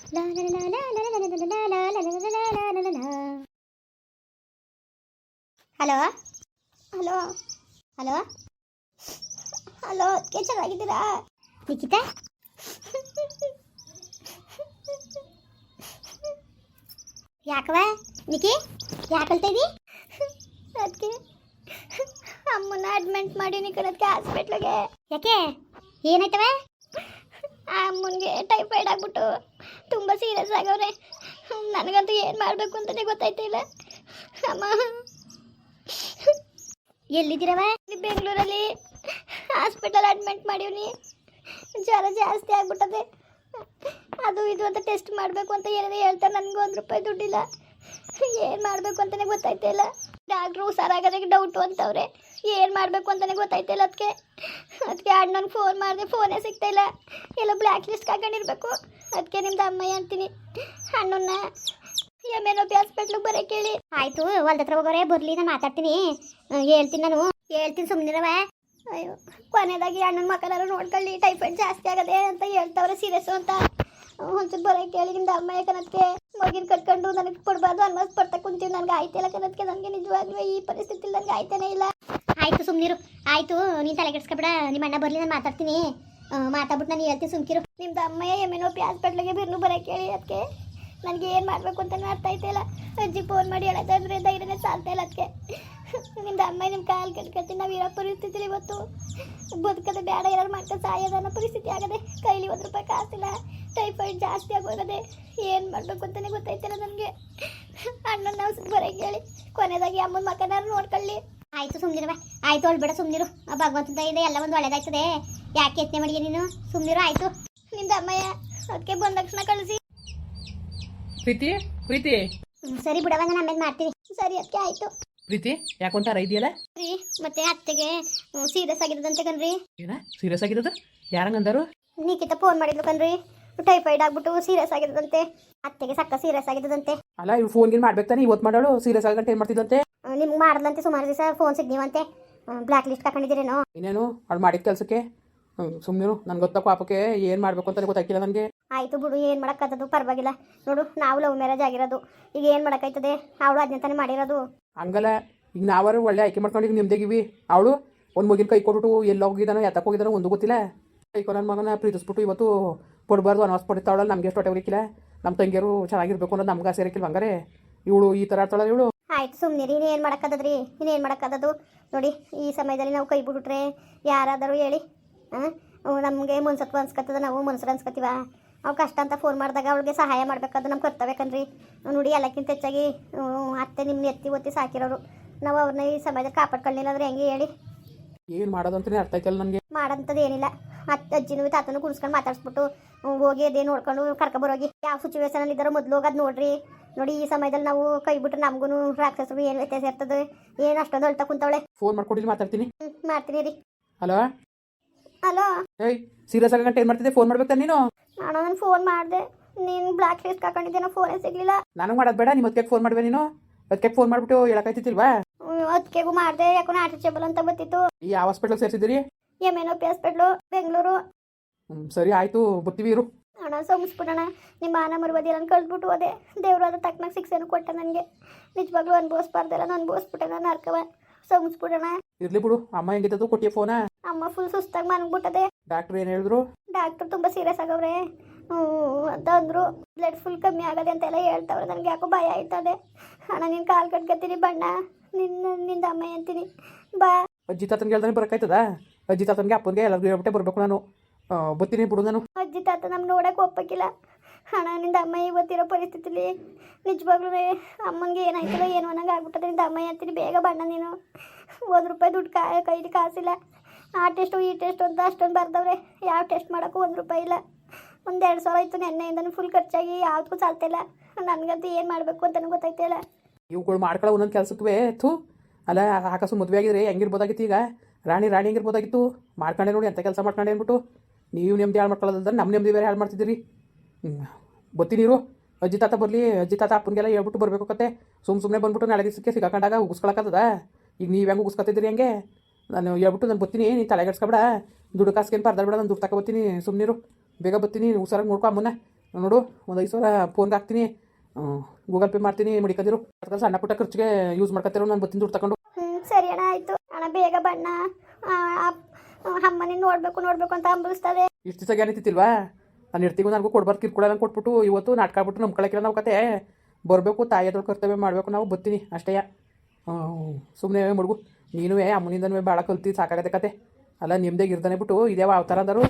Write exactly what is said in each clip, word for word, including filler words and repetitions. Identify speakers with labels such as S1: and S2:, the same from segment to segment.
S1: Hello hello hello hello ಅದಕ್ಕೆ ಚೆನ್ನಾಗಿದ್ದೀರಾ ನಿಖಿತಾ? ಯಾಕವ ನಿಖಿ ಯಾಕಲ್ತಾ ಇದ್ದೀ? ಅದಕ್ಕೆ ಅಮ್ಮನ ಅಡ್ಮಿಟ್ ಮಾಡೀನಿ ಕಣಕ್ಕೆ ಹಾಸ್ಪಿಟ್ಲಿಗೆ. ಯಾಕೆ ಏನಾಯ್ತವ? ಅಮ್ಮನಿಗೆ ಟೈಫಾಯ್ಡ್ ಆಗ್ಬಿಟ್ಟು ತುಂಬ ಸೀರಿಯಸ್ ಆಗವ್ರೆ. ನನಗಂತೂ ಏನು ಮಾಡಬೇಕು ಅಂತಲೇ ಗೊತ್ತಾಯ್ತಿಲ್ಲ. ಅಮ್ಮ ಎಲ್ಲಿದ್ದೀರವ? ಬೆಂಗಳೂರಲ್ಲಿ ಹಾಸ್ಪಿಟಲ್ ಅಡ್ಮಿಟ್ ಮಾಡೀನಿ. ಜ್ವರ ಜಾಸ್ತಿ ಆಗ್ಬಿಟ್ಟದೆ. ಅದು ಇದು ಅಂತ ಟೆಸ್ಟ್ ಮಾಡಬೇಕು ಅಂತ ಏನಾದ್ರು ಹೇಳ್ತಾರೆ. ನನಗೂ ಒಂದು ರೂಪಾಯಿ ದುಡ್ಡಿಲ್ಲ. ಏನು ಮಾಡಬೇಕು ಅಂತಲೇ ಗೊತ್ತಾಯ್ತಿಲ್ಲ. ಡಾಕ್ಟ್ರು ಹುಷಾರಾಗೋದಕ್ಕೆ ಡೌಟು ಅಂತವ್ರೆ. ಏನು ಮಾಡಬೇಕು ಅಂತಲೇ ಗೊತ್ತಾಯ್ತಿಲ್ಲ. ಅದಕ್ಕೆ ಅದಕ್ಕೆ ಅಣ್ಣನಿಗೆ ಫೋನ್ ಮಾಡಿದೆ, ಫೋನೇ ಸಿಗ್ತಾಯಿಲ್ಲ. ಎಲ್ಲ ಬ್ಲ್ಯಾಕ್ ಲಿಸ್ಟ್ ಹಾಕೊಂಡಿರ್ಬೇಕು. ಅದಕ್ಕೆ ನಿಮ್ದು ಅಮ್ಮಯ್ಯ ಅಂತೀನಿ. ಅಣ್ಣನ ಎಮ್ ಎನ್ ಒ ಪಿ ಹಾಸ್ಪಿಟ್ಲಿಗೆ ಬರೋಕ್ಕೆ ಹೇಳಿ. ಆಯಿತು, ಹೊಲ್ದ ಹತ್ರ ಹೋಗೋರೆ ಬರಲಿ, ನಾನು ಮಾತಾಡ್ತೀನಿ. ಹೇಳ್ತೀನಿ, ನಾನು ಹೇಳ್ತೀನಿ, ಸುಮ್ಮನಿರವ. ಅಯ್ಯೋ, ಕೊನೆಯದಾಗಿ ಅಣ್ಣನ ಮಕ್ಕಳಾರು ನೋಡ್ಕೊಳ್ಳಿ. ಟೈಫಾಯ್ಡ್ ಜಾಸ್ತಿ ಆಗದೆ ಅಂತ ಹೇಳ್ತಾವ್ರೆ, ಸೀರಿಯಸ್ಸು ಅಂತ. ಒಂಚೂರು ಬರೋಕ್ಕೆ ಹೇಳಿ ನಿಮ್ದು ಅಮ್ಮಯ್ಯ ಕನತ್ಗೆ. ಮಗಿನ ಕಟ್ಕೊಂಡು ನನಗೆ ಕೊಡಬಾರ್ದು ಅನ್ಮಸ್ ಪಡ್ತಾ ಕುಂತೀವಿ. ನನಗೆ ಆಯ್ತಿಲ್ಲ ಕನತ್ಗೆ. ನನಗೆ ನಿಜವಾಗ್ಲೂ ಈ ಪರಿಸ್ಥಿತಿಲಿ ನನಗೆ ಆಯ್ತಾನೆ ಇಲ್ಲ. ಆಯಿತು, ಸುಮ್ಮನಿರು. ಆಯಿತು, ನೀನು ತಲೆ ಕೆಡಿಸ್ಕೊಬೇಡ. ನಿಮ್ಮ ಅಣ್ಣ ಬರಲಿ, ನಾನು ಮಾತಾಡ್ತೀನಿ. ಮಾತಾಡ್ಬಿಟ್ಟು ನಾನು ಹೇಳ್ತೀನಿ, ಸುಮ್ಕಿರು. ನಿಮ್ದು ಅಮ್ಮಯ್ಯ ಎಮ್ ಎನ್ ಒ ಪಿ ಹಾಸ್ಪಿಟ್ಲಿಗೆ ಬಿರ್ನು ಬರೋಕ್ಕೆ ಹೇಳಿ. ಅದಕ್ಕೆ ನನಗೆ ಏನು ಮಾಡಬೇಕು ಅಂತ ಅರ್ಥ ಆಯ್ತಿಲ್ಲ. ಅಜ್ಜಿ ಫೋನ್ ಮಾಡಿ ಹೇಳೋದಾದ್ರೆ ಧೈರ್ಯನೇ ಸಾಲ್ತಾ ಇಲ್ಲ. ಅದಕ್ಕೆ ನಿಮ್ದು ಅಮ್ಮ ನಿಮ್ಮ ಕಾಲು ಕಟ್ಕೊಳ್ತೀನಿ. ನಾವು ಇರೋ ಪರಿಸ್ಥಿತಿಲಿ ಇವತ್ತು ಬದುಕದೆ ಬೇಡ, ಏನಾರು ಮಾಡ್ಕೊಂಡು ಸಾಯೋದನ್ನೋ ಪರಿಸ್ಥಿತಿ ಆಗದೆ. ಕೈಲಿ ಒಂದು ರೂಪಾಯಿ ಕಾಸಿಲ್ಲ. ಟೈಫಾಯ್ಡ್ ಜಾಸ್ತಿ ಆಗೋಗದೆ. ಏನು ಮಾಡಬೇಕು ಅಂತಲೇ ಗೊತ್ತಾಯ್ತಿಲ್ಲ ನನಗೆ. ಅಣ್ಣನ ನಾವು ಬರೋಕ್ಕೆ ಹೇಳಿ. ಕೊನೆಯದಾಗಿ ಅಮ್ಮನ ಮಕ್ಕನಾರು ನೋಡ್ಕೊಳ್ಳಿ. ಆಯಿತು, ಸುಮ್ಮನಿರುವ. ಆಯಿತು, ಅಳ್ಬೇಡ, ಸುಮ್ಮನಿರು. ಆ ಭಗವಂತದ ಇದೆ, ಎಲ್ಲ ಒಂದು ಒಳ್ಳೇದಾಯ್ತದೆ. ಯಾಕೆ ಯತ್ನೆ ಮಾಡಿಗೆ ನೀನು? ಸುಮ್ಮನಿರು. ಆಯಿತು, ನಿಮ್ದು ಅಮ್ಮಯ್ಯ ಅದಕ್ಕೆ ಬಂದ ತಕ್ಷಣ ಕಳಿಸಿ.
S2: ಪ್ರೀತಿ ಪ್ರೀತಿ
S1: ಸರಿ ಬಿಡವ, ನಾನು ಆಮೇಲೆ ಮಾಡ್ತೀನಿ. ಸರಿ, ಅದಕ್ಕೆ ಆಯಿತು.
S2: ಪ್ರೀತಿ ಯಾಕೊಂತಾರ ಇದೆಯಲ್ಲ
S1: ರೀ? ಮತ್ತೆ ಅತ್ತೆಗೆ ಸೀರಿಯಸ್ ಆಗಿರೋದಂತೆ ಕಣ್ರಿ.
S2: ಏನ ಸೀರಿಯಸ್ ಆಗಿರೋದು? ಯಾರಂಗಂದರು?
S1: ನಿಖಿತ ಫೋನ್ ಮಾಡಿದ್ಲು ಕಣ್ರಿ. ಟೈಫಾಯ್ಡ್ ಆಗ್ಬಿಟ್ಟು ಸೀರಿಯಸ್ ಆಗಿರೋದಂತೆ. ಅತ್ತೆಗೆ ಸಕ್ಕ ಸೀರಿಯಸ್ ಆಗಿರೋದಂತೆ.
S2: ಅಲ್ಲ, ಇವ್ ಫೋನ್ ಗಿನ್ ಮಾಡ್ಬೇಕು ತಾನೆ. ಇವತ್ತು ಮಾಡೋಳು ಸೀರಿಯಸ್ ಆಗಂತ ಏನು ಮಾಡ್ತಿದ್ದಂತೆ?
S1: ನಿಮ್ಗೆ ಮಾಡಿದ್ಲಂತೆ ಸುಮಾರು ದಿವಸ. ಫೋನ್ ಸಿಗ್ನೀವಂತೆ. ಬ್ಲ್ಯಾಕ್ ಲಿಸ್ಟ್ ಹಾಕೊಂಡಿದ್ದೀರೇನೋ?
S2: ಇನ್ನೇನು ಅವ್ಳು ಮಾಡಿದ ಕೆಲಸಕ್ಕೆ ಸುಮ್ಮನೆ ನನ್ಗೆ ಗೊತ್ತ ಪಾಪಕ್ಕೆ ಏನು ಮಾಡಬೇಕು ಅಂತ ಗೊತ್ತಾಗಿಲ್ಲ ನನಗೆ.
S1: ಆಯಿತು ಬಿಡು, ಏನು ಮಾಡೋಕ್ಕಾಗದು, ಪರವಾಗಿಲ್ಲ. ನೋಡು, ನಾವು ಲವ್ ಮ್ಯಾರೇಜ್ ಆಗಿರೋದು. ಈಗ ಏನು ಮಾಡೋಕ್ಕಾಯ್ತದೆ? ಅವಳು ಅದನ್ನ ತಾನೇ ಮಾಡಿರೋದು. ಹಂಗಲ್ಲ,
S2: ಈಗ ನಾವಾರು ಒಳ್ಳೆ ಆಯ್ಕೆ ಮಾಡ್ಕೊಂಡು ನಿಮ್ದೇಗಿವಿ. ಅವಳು ಒಂದು ಮಗಿನ ಕೈ ಕೊಟ್ಬಿಟ್ಟು ಎಲ್ಲ ಹೋಗಿದ್ದಾನೋ ಎತ್ತಕ್ಕೆ ಹೋಗಿದ್ದಾನೋ ಒಂದು ಗೊತ್ತಿಲ್ಲ. ಕೈಕೊ ನನ್ನ ಮಗನ ಪ್ರೀತಿಸ್ಬಿಟ್ಟು ಇವತ್ತು ಕೊಡಬಾರ್ದು ಅನೌನ್ಸ್ ಪಡಿತಾವಳಲ್ಲ. ನಮಗೆ ಎಷ್ಟು ಹೊಟ್ಟೆ ಹೊರಿಕಿಲ್ಲ. ನಮ್ಮ ತಂಗಿಯರು ಚೆನ್ನಾಗಿರ್ಬೇಕು ಅನ್ನೋದು ನಮ್ಗೆ ಆಸೆ ಇರಕ್ಕಿಲ್ಲ. ಹಂಗಾರೆ ಇವಳು ಈ ಥರ ಆಡ್ತಾಳ ಇವಳು.
S1: ಆಯ್ತು, ಸುಮ್ಮನಿರಿ. ಇನ್ನೇನು ಮಾಡೋಕ್ಕಾಗದ್ರಿ? ಇನ್ನೇನು ಮಾಡೋಕ್ಕಾಗದು? ನೋಡಿ, ಈ ಸಮಯದಲ್ಲಿ ನಾವು ಕೈ ಬಿಟ್ಬಿಟ್ರೆ ಯಾರಾದರೂ ಹೇಳಿ, ಹಾಂ, ನಮಗೆ ಮನ್ಸತ್ವ ಅನ್ಸ್ಕೊತದ. ನಾವು ಮನ್ಸರು ಅನ್ಸ್ಕೊತೀವ. ಅವ್ಳು ಕಷ್ಟ ಅಂತ ಫೋನ್ ಮಾಡಿದಾಗ ಅವಳಿಗೆ ಸಹಾಯ ಮಾಡಬೇಕಾದ್ರೆ ನಮ್ಮ ಕರ್ತವ್ಯ ಕಣ್ರಿ. ನೋಡಿ, ಎಲ್ಲಕ್ಕಿಂತ ಹೆಚ್ಚಾಗಿ ಅತ್ತೆ ನಿಮ್ಮನ್ನ ಎತ್ತಿ ಒತ್ತಿ ಸಾಕಿರೋರು. ನಾವು ಅವ್ರನ್ನ ಈ ಸಮಯದಲ್ಲಿ ಕಾಪಾಡ್ಕೊಳ್ಳಿಲ್ಲ ಅಂದ್ರೆ ಹೆಂಗೆ ಹೇಳಿ?
S2: ಏನು ಮಾಡೋದು ಅಂತಲೇ ಅರ್ಥ ಆಯ್ತಲ್ಲ ನನಗೆ.
S1: ಮಾಡೋಂಥದ್ದು ಏನಿಲ್ಲ. ಅತ್ತೆ ಅಜ್ಜಿನೂ ತಾತನೂ ಕುಣಿಸ್ಕೊಂಡು ಮಾತಾಡಿಸ್ಬಿಟ್ಟು ಹೋಗಿ ಅದೇ ನೋಡ್ಕೊಂಡು ಕರ್ಕೊಬರೋಗಿ. ಯಾವ ಸಿಚುವೇಶನಲ್ಲಿ ಇದ್ದಾರೋ ಮೊದಲು ಹೋಗೋದು ನೋಡ್ರಿ. ನೋಡಿ, ಈ ಸಮಯದಲ್ಲಿ ನಾವು ಕೈ ಬಿಟ್ಟರೆ ನಮಗೂ ರಾಕ್ಷಸರು ಏನು ವ್ಯತ್ಯಾಸ ಇರ್ತದೆ? ಏನು ಅಷ್ಟೊಂದು ಅಳ್ತಾ ಕುಂತವಳೆ.
S2: ಫೋನ್ ಮಾಡ್ಕೊಟ್ಟಿದ್ದು ಮಾತಾಡ್ತೀನಿ.
S1: ಹ್ಞೂ, ಮಾಡ್ತೀನಿ ರೀ.
S2: Hello
S1: hello.
S2: ಏಯ್, ಸೀರಿಯಸ್ ಆಗಂಟ ಏನು ಮಾಡ್ತಿದ್ದೆ? ಫೋನ್ ಮಾಡ್ಬೇಕಾ ನೀನು?
S1: ನಾನು ನಾನು ಫೋನ್ ಮಾಡಿದೆ. ನೀನು ಬ್ಲ್ಯಾಕ್ ಲಿಸ್ಟ್ ಹಾಕೊಂಡಿದ್ದೆ, ನಾವು ಫೋನೇ ಸಿಗಲಿಲ್ಲ.
S2: ನನಗೆ ಮಾಡೋದು ಬೇಡ. ನಿಮ್ಮ ಅದಕ್ಕೆ ಫೋನ್ ಮಾಡ್ಬೇ ನೀನು. ಅದಕ್ಕೆ ಫೋನ್ ಮಾಡಿಬಿಟ್ಟು ಹೇಳಕ್ಕಾಯ್ತಿಲ್ವಾ?
S1: ಅದಕ್ಕೆಗೂ ಮಾಡಿದೆ. ಯಾಕೋ ಆರ್ಟಿಚೇಬಲ್ ಅಂತ ಬರ್ತಿತ್ತು.
S2: ಈ ಯಾವ ಹಾಸ್ಪಿಟ್ಲಿಗೆ ಸೇರಿಸಿದ್ದೀರಿ?
S1: M N O P hospital, Bengaluru.
S2: ಹ್ಞೂ, ಸರಿ ಆಯಿತು, ಬರ್ತೀವಿ ಇರು.
S1: ಹಣ ಸೋಮಿಸ್ಬಿಡೋಣ. ನಿಮ್ಮ ಮಾನ ಮರುಬದಿ ನಾನು ಕಳ್ದ್ಬಿಟ್ಟು ಹೋದೆ. ದೇವರು ಅದ ತಕ್ಕನಾಗ ಶಿಕ್ಷೆನೂ ಕೊಟ್ಟ ನನಗೆ. ನಿಜವಾಗ್ಲೂ ಅನುಭವಿಸ್ಬಾರ್ದಲ್ಲ, ನಾನು ಅನುಭವಿಸ್ಬಿಟ್ಟೆ. ನಾನು ಅರ್ಕವ ಸೋಮಿಸ್ಬಿಡೋಣ.
S2: ಇರ್ಲಿ ಬಿಡು. ಅಮ್ಮ ಹೆಂಗಿದ್ದು ಕೊಟ್ಟಿಯ ಫೋನ?
S1: ಅಮ್ಮ ಫುಲ್ ಸುಸ್ತಾಗಿ ಮನ್ಬಿಟ್ಟದೆ.
S2: ಡಾಕ್ಟ್ರು ಏನು ಹೇಳಿದ್ರು?
S1: ಡಾಕ್ಟ್ರು ತುಂಬ ಸೀರಿಯಸ್ ಆಗವ್ರೆ ಅಂತ ಅಂದರು. ಬ್ಲಡ್ ಫುಲ್ ಕಮ್ಮಿ ಆಗದೆ ಅಂತೆಲ್ಲ ಹೇಳ್ತಾವ್ರೆ. ನನಗೆ ಯಾಕೋ ಭಯ ಆಯ್ತದೆ. ಹಣ ನೀನು ಕಾಲು ಕಟ್ಕೊತೀನಿ ಬಣ್ಣ. ನಿನ್ನ ನಿಂದ ಅಮ್ಮ ಅಂತೀನಿ ಬಾ.
S2: ಅಜ್ಜಿ ತಾತನ್ಗೆ ಹೇಳ್ದಾನೆ ಬರೋಕ್ಕಾಯ್ತದ? ಅಜ್ಜಿ ತಾತನ್ಗೆ ಅಪ್ಪನಿಗೆ ಎಲ್ಲರಿಗೂ ಹೇಳ್ಬಿಟ್ಟೆ ಬರಬೇಕು ನಾನು. ಬರ್ತೀನಿ ಬಿಡು ನಾನು.
S1: ಅಜ್ಜಿ ತಾತ ನಮ್ಗೆ ನೋಡೋಕೆ ಒಪ್ಪಕ್ಕಿಲ್ಲ. ಹಣ ನಿಂದ ಅಮ್ಮ ಇವತ್ತಿರೋ ಪರಿಸ್ಥಿತಿಲಿ ನಿಜವಾಗ್ಲೂ ಅಮ್ಮನಿಗೆ ಏನಾಯ್ತಲ್ಲ ಏನು ಅನ್ನಂಗೆ ಆಗ್ಬಿಟ್ಟದೆ. ನಿಂದ ಅಮ್ಮ ಅಂತೀನಿ ಬೇಗ ಬಣ್ಣ. ನೀನು ಒಂದು ರೂಪಾಯಿ ದುಡ್ಡು ಕಾ ಕೈಲಿ ಕಾಸಿಲ್ಲ. ಆ ಟೆಸ್ಟು ಈ ಟೆಸ್ಟು ಅಂತ ಅಷ್ಟೊಂದು ಬರ್ದವ್ರೆ. ಯಾವ ಟೆಸ್ಟ್ ಮಾಡೋಕ್ಕೂ ಒಂದು ರೂಪಾಯಿ ಇಲ್ಲ. ಒಂದು ಎರಡು ಸಾವಿರ ಆಯಿತು ನೆನ್ನೆಯಿಂದನೂ ಫುಲ್ ಖರ್ಚಾಗಿ ಯಾವುದಕ್ಕೂ ಸಾಲ್ತಿಲ್ಲ. ನನಗಂತೂ ಏನು ಮಾಡಬೇಕು ಅಂತಲೂ ಗೊತ್ತಾಯ್ತಿಲ್ಲ.
S2: ಇವುಗಳು ಮಾಡ್ಕೊಳ್ಳೋ ಒಂದೊಂದು ಕೆಲಸಕ್ಕೆ ಥೂ. ಅಲ್ಲ, ಆಕಾಸು ಮದುವೆ ಆಗಿದ್ರೆ ಹೆಂಗಿರ್ಬೋದಾಗಿತ್ತು? ಈಗ ರಾಣಿ ರಾಣಿ ಹೆಂಗಿರ್ಬೋದಾಗಿತ್ತು? ಮಾಡ್ಕೊಂಡೆ ನೋಡಿ ಅಂತ ಕೆಲಸ ಮಾಡ್ಕೊಂಡೆ ಅಂದ್ಬಿಟ್ಟು ನೀವು ನೆಮ್ಮದಿ ಹಾಳು ಮಾಡ್ಕೊಳ್ಳೋದಂದ್ರೆ ನಮ್ಮ ನೆಮ್ಮದಿ ಬೇರೆ ಹಾಳು ಮಾಡ್ತಿದ್ದೀರಿ. ಹ್ಞೂ, ಬರ್ತೀನಿರು. ಅಜ್ಜಿ ತಾತ ಬರಲಿ. ಅಜ್ಜಿ ತಾತ ಅಪ್ಪನಿಗೆಲ್ಲ ಹೇಳ್ಬಿಟ್ಟು ಬರಬೇಕು ಕತೆ. ಸುಮ್ಮ ಸುಮ್ಮನೆ ಬಂದ್ಬಿಟ್ಟು ನಾಳೆ ದಿವಸಕ್ಕೆ ಸಿಗಾಕೊಂಡಾಗ ಉಗಿಸ್ಕೊಳಕ್ಕದ? ಈಗ ನೀವು ಹೆಂಗೆ ಉಗಿಸ್ಕೊತಿದ್ದೀರಿ ಹಂಗೆ? ನಾನು ಹೇಳ್ಬಿಟ್ಟು ನಾನು ಬರ್ತೀನಿ. ನೀನು ತಲೆಗೆಡ್ಸ್ಕೊಬೇಡ. ದುಡ್ಡು ಕಾಸ್ಕೇನು ಪರ್ದಾಡ್ಬೇಡ. ನಾನು ದುಡ್ಡು ತಗೊಬರ್ತೀನಿ. ಸುಮ್ಮನಿರು. ಬೇಗ ಬರ್ತೀನಿ. ಹುಷಾರಾಗಿ ನೋಡ್ಕೊ ಅಮ್ಮನ್ನ. ನೋಡು ಒಂದು ಐದು ಸಾವಿರ ಫೋನ್ಗೆ ಹಾಕ್ತೀನಿ, ಗೂಗಲ್ ಪೇ ಮಾಡ್ತೀನಿ, ಮಡಿಕದಿರು ಅದಕ್ಕೆ ಸಣ್ಣ ಪುಟ್ಟ ಖರ್ಚಿಗೆ ಯೂಸ್ ಮಾಡ್ಕೊತಿರೋ ನಾನು ಬತ್ತಿನ ದುಡ್ಡು ತಗೊಂಡು.
S1: ಹ್ಞೂ ಸರಿ ಅಣ್ಣ ಆಯಿತು ಅಣ್ಣ, ಬೇಗ ಬಣ್ಣ ಅಮ್ಮನೇ ನೋಡಬೇಕು ನೋಡಬೇಕು ಅಂತ ಅಂಬಿಸ್ತದೆ.
S2: ಇಷ್ಟು ದಿವಸ ಏನಿತ್ತಿಲ್ವಾ, ನಾನು ಇರ್ತೀವಿ ನನಗೂ ಕೊಡ್ಬಾರ್ದು ಕಿರ್ಕೊಳ ನಂಗೆ ಕೊಟ್ಬಿಟ್ಟು ಇವತ್ತು ನಾಟಕ ಆಗ್ಬಿಟ್ಟು ನಂಬ್ಕೊಳಕ್ಕಿಲ್ಲ ನಾವು ಕತೆ ಬರಬೇಕು, ತಾಯಿಯದ್ರ ಕರ್ತವ್ಯ ಮಾಡಬೇಕು, ನಾವು ಬತ್ತೀನಿ ಅಷ್ಟೇ. ಸುಮ್ಮನೆ ಮಡುಗು ನೀನು ಅಮ್ಮನಿಂದನೂ ಭಾಳ ಕಲ್ತಿ ಸಾಕಾಗತ್ತೆ ಕತೆ ಅಲ್ಲ, ನಿಮ್ದಾಗ ಇರ್ದಾನೆ ಬಿಟ್ಟು ಇದ್ಯಾವ ಅವತಾರ ಅಂದರು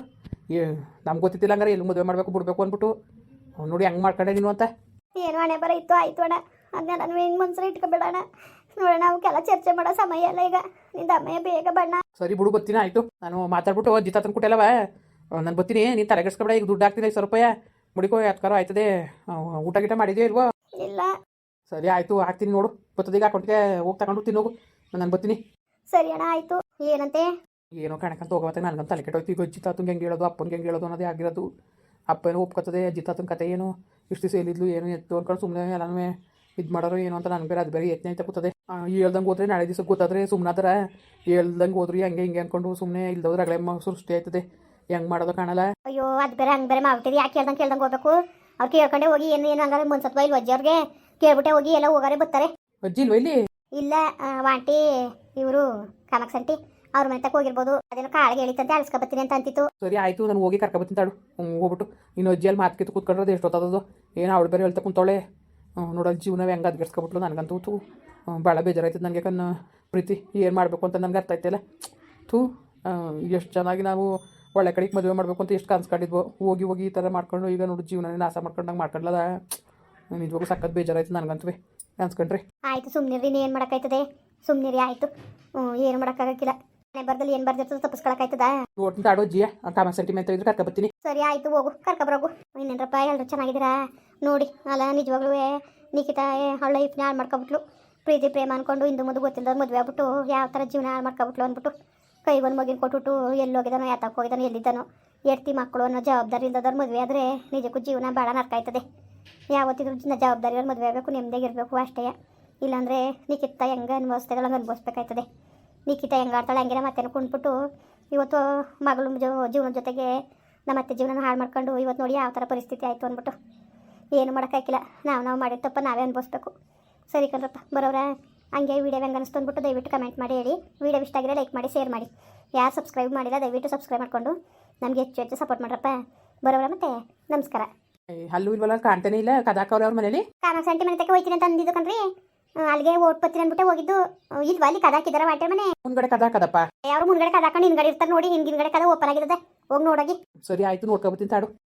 S2: ನಮ್ಗೆ ಗೊತ್ತಿತ್ತಿಲ್ಲ ಹಂಗಾರೆ ಎಲ್ಲಿ ಮದುವೆ ಮಾಡಬೇಕು ಬಿಡಬೇಕು ಅಂದ್ಬಿಟ್ಟು ನೋಡಿ ಹೆಂಗೆ ಮಾಡ್ಕೊಂಡೆ ನೀನು ಅಂತ.
S1: ಏನು ಹಣೆ ಬರ ಇತ್ತು ಆಯಿತು ಅಣ್ಣ, ಅದನ್ನ ನಾನು ಹಿಂಗೆ ಮನ್ಸಲ್ಲಿ ಇಟ್ಕೊಬೇಡ ಅಣ್ಣ. ನೋಡೋಣ ಅವಕ್ಕೆಲ್ಲ ಚರ್ಚೆ ಮಾಡೋ ಸಮಯ ಅಲ್ಲ ಈಗ, ನಿಂದ ಅಮ್ಮಯ್ಯ ಬೇಗ ಬಣ್ಣ.
S2: ಸರಿ ಬಿಡು ಬತ್ತೀನಿ ಆಯಿತು, ನಾನು ಮಾತಾಡ್ಬಿಟ್ಟು ಜಿತ ತಂದು ಕೊಟ್ಟಲ್ಲವ ನಾನು ಬತ್ತೀನಿ, ನೀನು ತಲೆಗೆಡ್ಸ್ಕೊಬೇಡ. ಈಗ ದುಡ್ಡು ಹಾಕ್ತೀನಿ ಐದು ಸಾವಿರ ರೂಪಾಯಿ ಮುಡಿಕೋ ಯಾತ್ಕಾರ ಆಯ್ತದೆ. ಊಟ ಗೀಟ ಮಾಡಿದ್ಯೋ ಇಲ್ವೋ?
S1: ಇಲ್ಲ.
S2: ಸರಿ ಆಯಿತು ಹಾಕ್ತೀನಿ ನೋಡು, ಬರ್ತದೀಗ ಅಕೌಂಟ್ಗೆ ಹೋಗಿ ತಗೊಂಡು ತಿನ್ನೋಗು, ನಾನು ಬರ್ತೀನಿ.
S1: ಸರಿ ಅಣ್ಣ ಆಯಿತು. ಏನಂತೆ
S2: ಏನೋ ಕಣಕಂತ ಹೋಗೋತ್ತೆ ನನಗಂತ ತಲೆ ಕೆಟ್ಟೋಯ್ತು. ಈಗ ಜಿತಾತಂಗೆ ಹೆಂಗೆ ಹೇಳೋದು ಅಪ್ಪನಿಗೆ ಹೆಂಗೆ ಹೇಳೋದು ಅನ್ನೋದೇ ಆಗಿರೋದು. ಅಪ್ಪನೂ ಒಪ್ಕೊತದೆ, ಜಿತಾತನ ಕತೆ ಏನು ಇಷ್ಟು ದಿವಸ ಎಲ್ಲಿದ್ಲು ಏನು ಎತ್ತು ಅಂದ್ಕೊಂಡು ಸುಮ್ಮನೆ ಎಲ್ಲನೂ ಇದು ಮಾಡೋರು ಏನು ಅಂತ ನನಗೆ ಬೇರೆ ಅದು ಬೇರೆ ಯತ್ನೆ ಅಂತ ಕೂತದೆ. ಹೇಳ್ದಂಗೆ ಹೋದ್ರೆ ನಾಳೆ ದಿವಸ ಗೊತ್ತಾದ್ರೆ ಸುಮ್ಮನಾದ್ರ ಹೇಳ್ದಂಗೆ ಹೋದ್ರಿ ಹಂಗೆ ಹಿಂಗೆ ಅಂದ್ಕೊಂಡು ಸುಮ್ಮನೆ ಇಲ್ದವ್ರು ಅಗಳೆ ಸೃಷ್ಟಿ ಆಯ್ತದೆ, ಹೆಂಗೆ ಮಾಡೋದು ಕಾಣಲ್ಲ.
S1: ಅಯ್ಯೋ ಅದು ಬೇರೆ ಹಂಗೆ ಬೇರೆ ಮಾಡ್ಬಿಟ್ಟಿರಿ, ಯಾಕೆ ಕೇಳ್ದಂಗೆ ಕೇಳ್ದಂಗೆ ಹೋಗ್ಬೇಕು? ಅವ್ರು ಕೇಳ್ಕೊಂಡೆ ಹೋಗಿ ಏನು ಏನು ಹಂಗಾರೆ ಮುನ್ಸತ್ವ ಇಲ್ಲಿ ಅಜ್ಜಿ ಅವ್ರಿಗೆ ಕೇಳ್ಬಿಟ್ಟೆ ಹೋಗಿ ಎಲ್ಲ ಹೋಗಾರೆ ಬರ್ತಾರೆ.
S2: ಅಜ್ಜಿ ಇಲ್ವ ಇಲ್ಲಿ?
S1: ಇಲ್ಲ ವಾಂಟಿ ಇವರು ಕಾಮಕ್ಸಂಟಿ ಅವ್ರ ಮನೆ ತಕ್ಕ ಹೋಗಿರ್ಬೋದು, ಅದೇನೋ ಕಾಳಿಗೆ ಹೇಳಿತಂತೆ ಅಳ್ಸ್ಕೊಬತ್ತೀನಿ ಅಂತ ಅಂತಿತ್ತು.
S2: ಸರಿ ಆಯಿತು, ನಾನು ಹೋಗಿ ಕರ್ಕೊಬತ್ತೀನಿ ತಾಡು. ಹೋಗ್ಬಿಟ್ಟು ಇನ್ನು ಅಜ್ಜಿಯಲ್ಲಿ ಮಾತು ಕೂತ್ಕೊಂಡ್ರೆ ಎಷ್ಟೊತ್ತದದು ಏನು ಅವಳು ಬೇರೆ ಹೇಳ್ತಾ ಕುಂತವಳೆ. ನೋಡೋದು ಜೀವನ ಹೆಂಗೆ ಅದ್ಗೆಡ್ಸ್ಕೊಬಿಟ್ಲು ನನಗಂತೂ ತೂ ಭಾಳ ಬೇಜಾರಾಯ್ತದೆ ನನಗೆ. ಕಣ್ಣು ಪ್ರೀತಿ ಏನು ಮಾಡಬೇಕು ಅಂತ ನನಗೆ ಅರ್ಥ ಆಯ್ತಲ್ಲ. ಥೂ ಎಷ್ಟು ಚೆನ್ನಾಗಿ ನಾವು ಒಳ್ಳೆ ಕಡೆಗೆ ಮದುವೆ ಮಾಡಬೇಕು ಅಂತ ಎಷ್ಟು ಕನ್ಸ್ಕೊಂಡಿದ್ವು, ಹೋಗಿ ಹೋಗಿ ಈ ಥರ ಮಾಡ್ಕೊಂಡು ಈಗ ನೋಡಿ ಜೀವನ ನಾಶ ಮಾಡ್ಕೊಂಡಂಗೆ ಮಾಡ್ಕೊಂಡ್ಲದ. ನಿಜವಾಗೂ ಸಖತ್ ಬೇಜಾರಾಯ್ತು ನನಗಂತೂ ಅನ್ಸ್ಕೊಂಡ್ರಿ.
S1: ಆಯಿತು ಸುಮ್ಮನಿರಿ, ನೀನು ಏನು ಮಾಡೋಕ್ಕಾಯ್ತದೆ, ಸುಮ್ಮನಿರಿ ಆಯಿತು. ಹ್ಞೂ ಏನು ಮಾಡೋಕ್ಕಾಗಕ್ಕಿಲ್ಲ, ಮನೆ ಬರ್ದಲ್ಲಿ ಏನು ಬರ್ದಿರ್ತದೆ ತಪ್ಪಿಸ್ಕೊಳಕ್ಕಾಯ್ತದ.
S2: ನೋಡ್ತೀನಿ ತಾಡೋ ಜಿಯ ಕಾಮ ಸೆಂಟಿಮೆಂಟ್ ಇದ್ರೆ ಕರ್ಕೊಬತ್ತೀನಿ.
S1: ಸರಿ ಆಯಿತು ಹೋಗು ಕರ್ಕೊಬರೋಗು. ಇನ್ನೇನಪ್ಪ ಎಲ್ಲರೂ ಚೆನ್ನಾಗಿದ್ದೀರಾ ನೋಡಿ. ಅಲ್ಲ ನಿಜವಾಗ್ಲೂ ನಿಖಿತಾ ಅವಳ ಲೈಫ್ನ ಹಾಳು ಮಾಡ್ಕೊಬಿಟ್ಲು. ಪ್ರೀತಿ ಪ್ರೇಮ ಅಂದ್ಕೊಂಡು ಇಂದು ಮುಂದೆ ಗೊತ್ತಿಲ್ಲದವ್ರು ಮದುವೆ ಆಗ್ಬಿಟ್ಟು ಯಾವ ಥರ ಜೀವನ ಹಾಳು ಮಾಡ್ಕೊಬಿಟ್ಲು ಅಂದ್ಬಿಟ್ಟು ಕೈಗೊಂದು ಮಗಿನ ಕೊಟ್ಬಿಟ್ಟು ಎಲ್ಲಿ ಹೋಗಿದ್ದಾನೋ ಯಾತಕ್ಕೆ ಹೋಗಿದ್ದಾನೋ ಎಲ್ಲಿದ್ದಾನೋ ಎಡ್ತಿ ಮಕ್ಕಳು ಅನ್ನೋ ಜವಾಬ್ದಾರಿ ಇಲ್ಲದವ್ರು ಮದುವೆ ಆದರೆ ನಿಜಕ್ಕೂ ಜೀವನ ಭಾಳ ನರ್ಕಾಯ್ತದೆ. ಯಾವತ್ತಿದ್ರೂ ಜವಾಬ್ದಾರಿಯವ್ರು ಮದುವೆ ಆಗಬೇಕು, ನೆಮ್ಮದಿಯಾಗಿರಬೇಕು ಅಷ್ಟೇ. ಇಲ್ಲಾಂದರೆ ನಿಖಿತ ಹೆಂಗೆ ಅನುಭವಿಸ್ತಾಳೆ ಹಂಗೆ ಅನುಭವಿಸ್ಬೇಕಾಯ್ತದೆ. ನಿಖಿತ ಹೆಂಗೆ ಆಡ್ತಾಳೆ ಹಂಗೆ ಮತ್ತೇನು ಕುಂದ್ಬಿಟ್ಟು ಇವತ್ತು ಮಗಳು ಜೋ ಜೀವನದ ಜೊತೆಗೆ ನಮ್ಮ ಅತ್ತೆ ಜೀವನ ಹಾಳು ಮಾಡ್ಕೊಂಡು ಇವತ್ತು ನೋಡಿ ಯಾವ ಥರ ಪರಿಸ್ಥಿತಿ ಆಯಿತು ಅಂದ್ಬಿಟ್ಟು ಏನು ಮಾಡೋಕ್ಕಾಗಿಲ್ಲ. ನಾವು ನಾವು ಮಾಡಿದ ತಪ್ಪ ನಾವೇ ಅನುಭವಿಸ್ಬೇಕು. ಸರಿ ಕಣ್ರಪ್ಪ ಬರೋರ ಹಂಗೆ ವೀಡಿಯೋ ಹೆಂಗೆ ಅನಿಸ್ತು ಅಂದ್ಬಿಟ್ಟು ದಯವಿಟ್ಟು ಕಮೆಂಟ್ ಮಾಡಿ ಹೇಳಿ. ವೀಡಿಯೋ ಇಷ್ಟ ಆಗಿರೋ ಲೈಕ್ ಮಾಡಿ ಶೇರ್ ಮಾಡಿ. ಯಾರು ಸಬ್ಸ್ಕ್ರೈಬ್ ಮಾಡಿಲ್ಲ ದಯವಿಟ್ಟು ಸಬ್ಸ್ಕ್ರೈಬ್ ಮಾಡಿಕೊಂಡು ನಮಗೆ ಹೆಚ್ಚು ಹೆಚ್ಚು ಸಪೋರ್ಟ್ ಮಾಡ್ರಪ್ಪ. ಬರೋರ ಮತ್ತೆ ನಮಸ್ಕಾರ.
S2: ಅಲ್ಲೂ ಇಲ್ವಲ್ಲ ಕಾಣ್ತಾನೆ ಇಲ್ಲ ಕದಾಕವ್ರೆ ಅವ್ರ ಮನೇಲಿ.
S1: ಕಾಮ ಸಂಟಿ ಮನೆ ತಕ್ಕ ಹೋಯ್ತೀನಿ ಅಂತ ಅಂದಿದ್ದು ಕಣ್ರಿ, ಅಲ್ಲಿಗೆ ಓಟ್ ಪತ್ತೀನಿ ಅಂದ್ಬಿಟ್ಟೆ ಹೋಗಿದ್ದು. ಇಲ್ವಾ ಅಲ್ಲಿ ಕದಾಕಿದಾರ ವಾಟೆ ಮನೆ
S2: ಮುಂದ್ಗಡೆ ಕದಾಕದಪ್ಪ.
S1: ಯಾರು ಮುಂದ್ಗಡೆ ಕದಾಕೊಂಡು ಹಿಂದ್ಗಡೆ ಇರ್ತಾರೆ ನೋಡಿ, ಹಿಂದಿನಗಡೆ ಕದ ಓಪನ್ ಆಗಿರ್ತದೆ, ಹೋಗಿ ನೋಡೋಗಿ.
S2: ಸರಿ ಆಯ್ತು ನೋಡ್ಕೊಬತ್ತೀನಿ ತಾಡು.